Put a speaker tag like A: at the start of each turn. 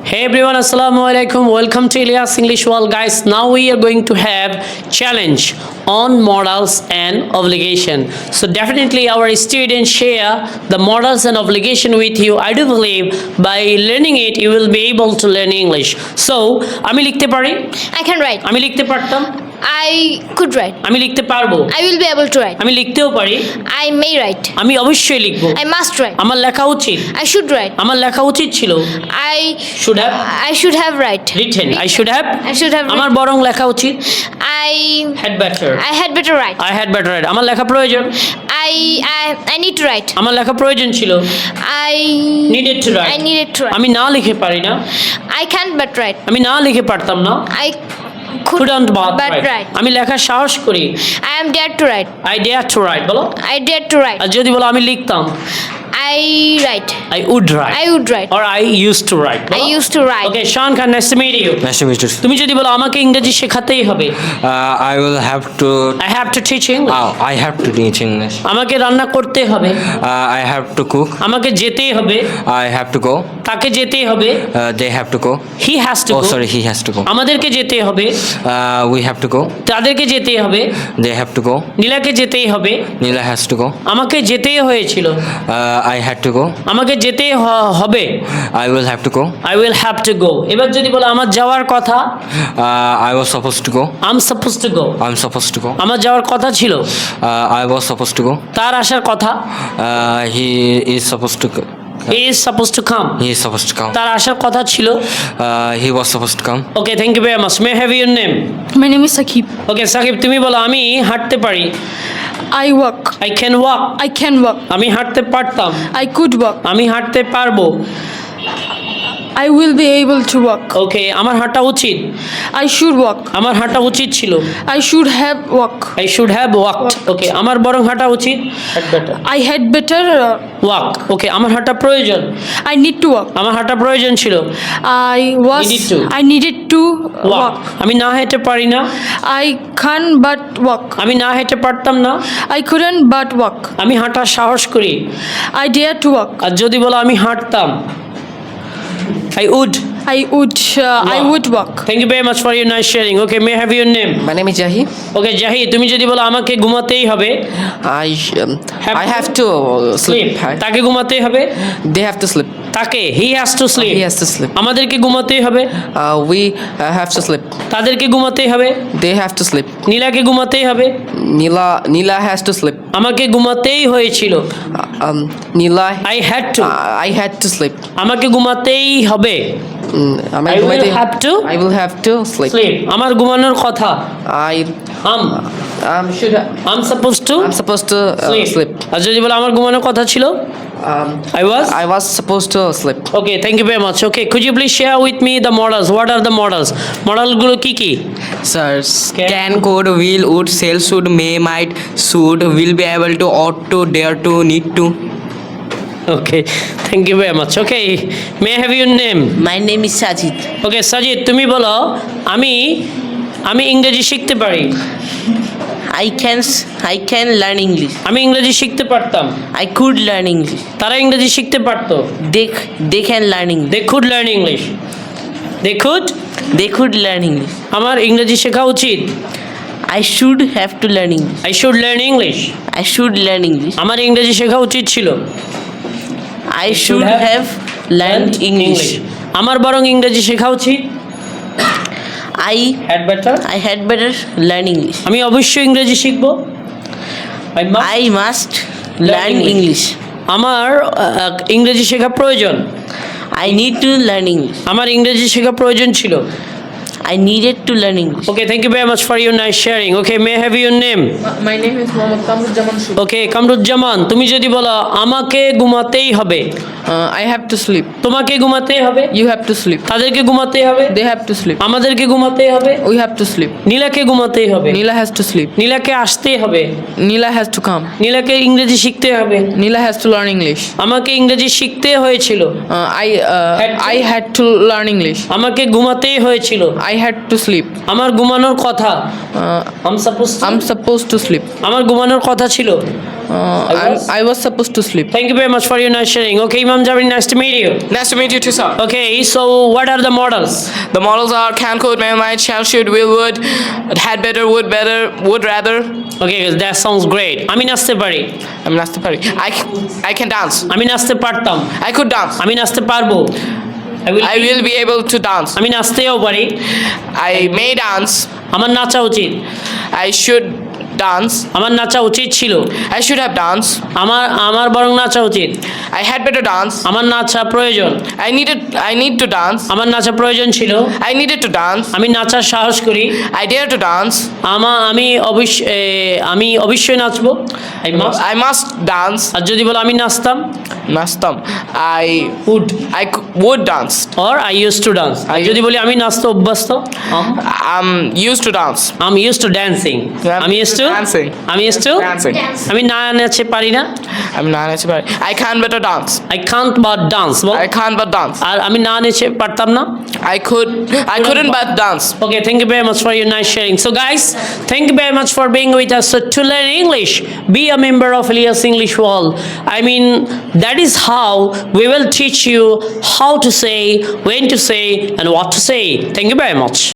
A: Hey everyone, assalamu alaikum. Welcome to Ilyas English World, guys. Now we are going to have challenge on modals and obligation. So definitely our students share the modals and obligation with you. I do believe by learning it you will be able to learn English. So আমি লিখতে পারি,
B: I can write.
A: আমি লিখতে পারতাম,
B: I could write.
A: আমি লিখতে পারবো,
B: I will be able to write.
A: আমি লিখতেও পারি,
B: I may write.
A: আমি অবশ্যই লিখবো,
B: I must write.
A: আমার লেখা উচিত,
B: I should write.
A: আমার লেখা উচিত ছিল,
B: I
A: should have
B: I should have write.
A: written, I should have,
B: I should have
A: আমার বরং লেখা উচিত,
B: I
A: had better,
B: I had better write.
A: I had better write, আমার লেখা প্রয়োজন,
B: I need to write.
A: আমার লেখা প্রয়োজন ছিল,
B: I
A: needed to write,
B: I needed to write.
A: আমি না লিখে পারি না,
B: I can't but write.
A: আমি না লিখে পারতাম না,
B: I could
A: couldn't but
B: write.
A: write, আমি লেখার সাহস করি,
B: I am dared to write.
A: I dare to write, বলো,
B: I dared to write.
A: আর যদি বলো আমি লিখতাম,
B: I write.
A: I would write,
B: I would write.
A: or I used to write,
B: I used to write.
A: Okay, Sean Khan, nice to meet you.
C: Nice to meet you.
A: তুমি যদি বলো আমাকে ইংরেজি শেখাতেই হবে,
C: I will have to.
A: I have to teach English,
C: I have to teach English.
A: আমাকে রান্না করতে হবে,
C: I have to cook.
A: আমাকে যেতেই হবে,
C: I have to go.
A: তাকে যেতেই হবে,
C: They have to go.
A: he has to
C: Oh,
A: go,
C: sorry, he has to go.
A: আমাদেরকে যেতে হবে,
C: We have to go.
A: তাদেরকে যেতেই হবে,
C: They have to go.
A: নীলাকে যেতেই হবে,
C: Neela has to go.
A: আমাকে যেতেই হয়েছিল,
C: I had to go.
A: আমাকে যেতেই হবে,
C: I will have to go.
A: I will have to go. এবার যদি বলো আমার যাওয়ার কথা,
C: I was supposed to go.
A: I'm supposed to go,
C: I'm supposed to go.
A: আমার যাওয়ার কথা ছিল,
C: I was supposed to go.
A: তার আসার কথা,
C: He is supposed to go.
A: he is supposed to come,
C: He is supposed to come.
A: তার আসার কথা ছিল।
C: He was supposed to come.
A: Okay, thank you very much. May I have your name?
D: My name is Sakib.
A: Okay, Shakib তুমি বলো আমি হাঁটতে পারি,
D: I walk.
A: I can walk,
D: I can walk.
A: আমি হাঁটতে পারতাম,
D: I could walk.
A: আমি হাঁটতে পারবো।
D: I will be able to walk.
A: ওকে, আমার হাঁটা উচিত,
D: I should walk.
A: আমার হাঁটা উচিত ছিল,
D: I should have walk.
A: I should have walked. ওকে, আমার বরং হাঁটা উচিত, had better
D: I had better
A: walk. ওকে, আমার হাঁটা প্রয়োজন,
D: I need to walk.
A: আমার হাঁটা প্রয়োজন ছিল, Needed to.
D: I needed to
A: walk,
D: walk.
A: আমি না হেঁটে পারি না,
D: I can't but walk.
A: আমি না হেঁটে পারতাম না,
D: I couldn't but walk.
A: আমি হাঁটার সাহস করি।
D: I dare to walk.
A: আর যদি বলো আমি হাঁটতাম, I would
D: walk.
A: Thank you very much for your nice sharing. Okay, may I have your name?
E: My name is Jahi.
A: Okay, জাহি তুমি যদি বলো আমাকে ঘুমাতেই হবে,
E: I have to sleep.
A: তাকে ঘুমাতেই হবে,
E: They have to sleep.
A: তাকে he has to sleep,
E: He has to sleep.
A: আমাদেরকে ঘুমাতেই হবে,
E: We have to sleep.
A: তাদেরকে ঘুমাতেই হবে,
E: They have to sleep.
A: নীলাকে ঘুমাতেই হবে,
E: Neela has to sleep.
A: আমাকে ঘুমাতেই হয়েছিল,
E: Neela.
A: I had to,
E: I had to sleep.
A: আমাকে ঘুমাতেই হবে, I will have to
E: I will have to sleep.
A: sleep, আমার ঘুমানোর কথা,
E: Should
A: I'm supposed to
E: I'm supposed to sleep.
A: আর যদি বলো আমার ঘুমানোর কথা ছিল,
E: I was supposed to sleep.
A: Okay, thank you very much. Okay, could you please share with me the models? What are the models? Model কি কি?
F: Sir, can, could, will, would, shall, should, may, might, should, will be able to, ought to, dare to, need to.
A: Okay, thank you very much. Okay, may I have your name?
G: My name is Sajid.
A: Okay, Sajid তুমি বলো আমি ইংরেজি শিখতে পারি,
G: I can learn English.
A: আমি ইংরেজি শিখতে পারতাম,
G: I could learn English.
A: তারা ইংরেজি শিখতে পারতো,
G: They can learn English.
A: they could learn English,
G: They could learn English.
A: আমার ইংরেজি শেখা উচিত,
G: I should have to learn English.
A: I should learn English,
G: I should learn English.
A: আমার ইংরেজি শেখা উচিত ছিল,
G: I should have learned English.
A: আমার বরং ইংরেজি শেখা উচিত,
G: I
A: had better,
G: had better learn English.
A: আমি অবশ্যই ইংরেজি শিখব,
G: I must learn English.
A: আমার ইংরেজি শেখা প্রয়োজন,
G: I need to learn English.
A: আমার ইংরেজি শেখা প্রয়োজন ছিল।
G: I needed to learn English.
A: Okay, thank you very much for your nice sharing. Okay, may I have your name?
D: My name is Mohammad Kamruzzaman.
A: Okay, Kamruzzaman তুমি যদি বলো আমাকে ঘুমাতেই হবে,
D: I have to sleep.
A: তোমাকে ঘুমাতেই হবে,
D: You have to sleep.
A: তাদেরকে ঘুমাতেই হবে,
D: They have to sleep.
A: আমাদেরকে ঘুমাতেই হবে,
D: We have to sleep.
A: নীলাকে ঘুমাতেই হবে,
D: Neela has to sleep.
A: নীলাকে আসতেই হবে,
D: Neela has to come.
A: নীলাকে ইংরেজি শিখতে হবে,
D: Neela has to learn English.
A: আমাকে ইংরেজি শিখতে হয়েছিল,
D: I had to learn English.
A: আমাকে ঘুমাতেই হয়েছিল,
D: I had to sleep.
A: আমার ঘুমানোর কথা,
D: Uh,
A: I'm supposed to,
D: I'm supposed to sleep.
A: আমার ঘুমানোর কথা ছিল,
E: I was supposed to sleep.
A: Thank you very much for your nice sharing. Okay, Imam Jabir, nice to meet you.
H: Nice to meet you too, sir.
A: Okay, so what are the models?
H: The models are can, could, may, might, shall, should, will, would, had better, would rather.
A: Okay, that sounds great. আমি নাচতে পারি,
H: আমি নাচতে পারি। I can dance.
A: আমি নাচতে পারতাম,
H: I could dance.
A: আমি নাচতে পারবো,
H: I will be able to dance.
A: আমি নাচতেও পারি,
H: I may dance.
A: আমার নাচা উচিত,
H: I should dance.
A: আমার নাচা উচিত ছিল,
H: I should have danced.
A: আমার বরং নাচা উচিত,
H: I had better dance.
A: আমার নাচা প্রয়োজন,
H: I need to dance.
A: আমার নাচা প্রয়োজন ছিল,
H: I needed to dance.
A: আমি নাচার সাহস করি,
H: I dare to dance.
A: আমি অবশ্যই নাচবো,
H: I must dance.
A: আর যদি বলো আমি নাচতাম,
H: নাচতাম। I would dance.
A: or I used to dance, আর যদি বলি আমি নাচতে অভ্যস্ত,
H: I'm used to dance.
A: I'm used to dancing, আমি used to
H: Dancing.
A: আমি used to
H: Dancing.
A: আমি না নাচতে পারি না,
H: আমি না নাচতে পারি। I can better dance.
A: I can't but dance, ball,
H: I can't but dance.
A: আর আমি না নেচে পারতাম না।
H: I couldn't but dance.
A: Okay, thank you very much for your nice sharing. So guys, thank you very much for being with us. So to learn English, be a member of Elias English World. I mean, that is how we will teach you how to say, when to say, and what to say. Thank you very much.